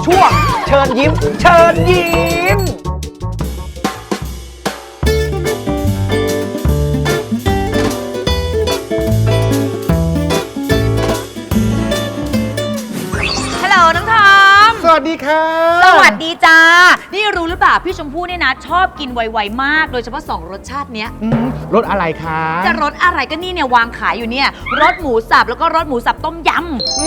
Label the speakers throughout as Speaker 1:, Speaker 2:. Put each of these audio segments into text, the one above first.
Speaker 1: ช่วงเชิญยิ้มเชิญยิ้ม
Speaker 2: ฮัลโหลน้องทอม
Speaker 3: สวัสดีค่ะ
Speaker 2: สวัสดีจ้านี่รู้หรือเปล่าพี่ชมพู่เนี่ยนะชอบกินไวๆมากโดยเฉพาะ2รสชาติเนี้ย
Speaker 3: รสอะไรคะ
Speaker 2: จะรสอะไรก็นี่เนี่ยวางขายอยู่เนี่ยรสหมูสับแล้วก็รสหมูสับต้มย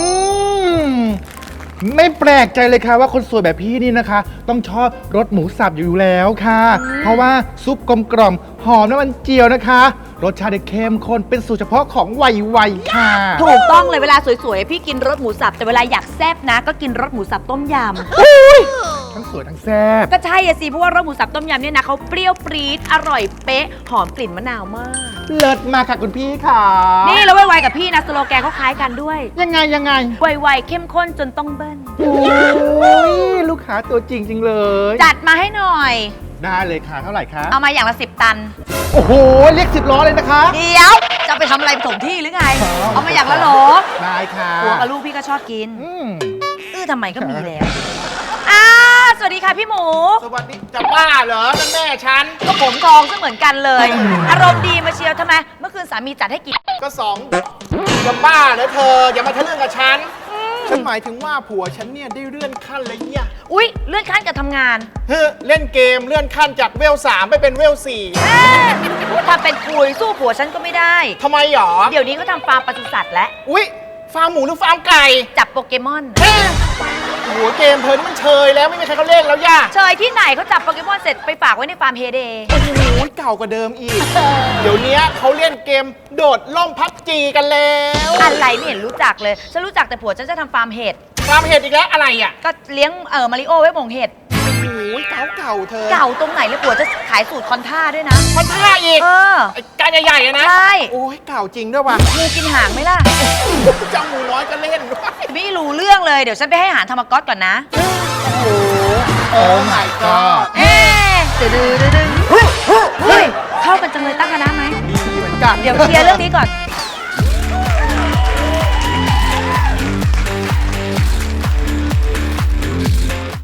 Speaker 3: ไม่แปลกใจเลยค่ะว่าคนสวยแบบพี่นี่นะคะ ต้องชอบรสหมูสับอยู่แล้วค่ะ เพราะว่าซุปกลมกล่อมหอมน้ำมันเจียวนะคะ รสชาติเข้มข้นเป็นสูตรเฉพาะของไวๆค่ะ
Speaker 2: ำถูกต้องเลยเวลาสวยๆพี่กินรสหมูสับแต่เวลาอยากแซ่บนะก็กินรสหมูสับต้มยำ
Speaker 3: ทั้งสวยทั้งแซ่บ
Speaker 2: ก็ใช่อะสิเพราะว่ารสหมูสับต้มยำเนี่ยนะเขาเปรี้ยวปรี๊ดอร่อยเป๊ะหอมกลิ่นมะนาวมาก
Speaker 3: เลิศมากค่ะคุณพี่ค่ะ
Speaker 2: นี่แล้วไวๆกับพี่นะสโลแกนเขาคล้ายกันด้วย
Speaker 3: ยังไง
Speaker 2: ไวๆเข้มข้นจนต้องเบิ้ล
Speaker 3: โอ้ยลูกค้าตัวจริงเลย
Speaker 2: จัดมาให้หน่อย
Speaker 3: ได้เลยค่ะเท่าไหร่คะ
Speaker 2: เอามาอย่างละ10 ตัน
Speaker 3: โอ้โหเรียก10 ล้อเลยนะคะ
Speaker 2: เดี๋ยวจะไปทำอะไรไปถมที่หรือไง เอามาอย่างละโหล
Speaker 3: ได้ค่ะ
Speaker 2: ผัวกับลูกพี่ก็ชอบกิน
Speaker 3: อืม
Speaker 2: ทำไมก็มีแล้วสวัสดีค่ะพี่หมู
Speaker 3: สวัสดีจะบ้าเหรอนั่นแม่ฉัน
Speaker 2: ก็ผมทองซะเหมือนกันเลย อารมณ์ดีมาเชียวทำไม เมื่อคืนสามีจัดให้กิน
Speaker 3: ก็จะบ้าเหรอเธออย่ามาทะลึ่งกับฉันหมายถึงว่าผัวฉันเนี่ยได้เลื่อนขั้นเลยเนี่ย
Speaker 2: อุ๊ย เลื่อนขั้นกับทำงาน
Speaker 3: เล่นเกมเลื่อนขั้นจากเวล 3 ไปเป็นเวล
Speaker 2: พูดทำเป็นคุยสู้ผัวฉันก็ไม่ได้
Speaker 3: 4ทำไมหรอ
Speaker 2: เดี๋ยวนี้เขาทำฟาร์มปศุสัตว์แล้ว
Speaker 3: อุ๊ยฟาร์มหมูหรือฟาร์มไก่
Speaker 2: จับโปเกมอน
Speaker 3: หัวเกมเธอนี่มันเชยแล้วไม่มีใครเขาเล่นแล้วย่า
Speaker 2: เชยที่ไหนเขาจับโปเกมอนเสร็จไปฝากไว้ในฟาร์มเฮเดย์
Speaker 3: โอ้โหเก่ากว่าเดิมอีก เดี๋ยวนี้เขาเล่นเกมโดดล่มพับจีกันแล้ว
Speaker 2: อะไรไม่เห็นรู้จักเลย ฉันรู้จักแต่ผัวฉันจะทำฟาร์มเห็ด
Speaker 3: ฟาร์มเห็ดอีกแล้วอะไรอ่ะ
Speaker 2: ก็เลี้ยงมาริโอไว้หมงเห็ด
Speaker 3: โอ้ยเก่าเธอ
Speaker 2: เก่าตรงไหนแล้วผัวจะขายสูตรคอนท่าด้วยนะ
Speaker 3: มันท่าอีก ไอ้การใหญ่ๆอะนะ
Speaker 2: ใช่
Speaker 3: โอ้ยเก่าจริงด้วยว่ะ
Speaker 2: งูกินหางไหมล่ะ
Speaker 3: เจ้าหมูน้อยก็เล่นด้วย
Speaker 2: ไม่รู้เรื่องเลย เดี๋ยวฉันไปให้อาหารธรรมก๊อตก่อนนะ
Speaker 3: โอ้ my god
Speaker 2: เอ๊ะดื้อเฮ้ยเข้ากันจังเลยตั้งคณะไหม
Speaker 3: ดีเหมือนกัน
Speaker 2: เดี๋ยวเคลียร์เรื่องนี้ก่อน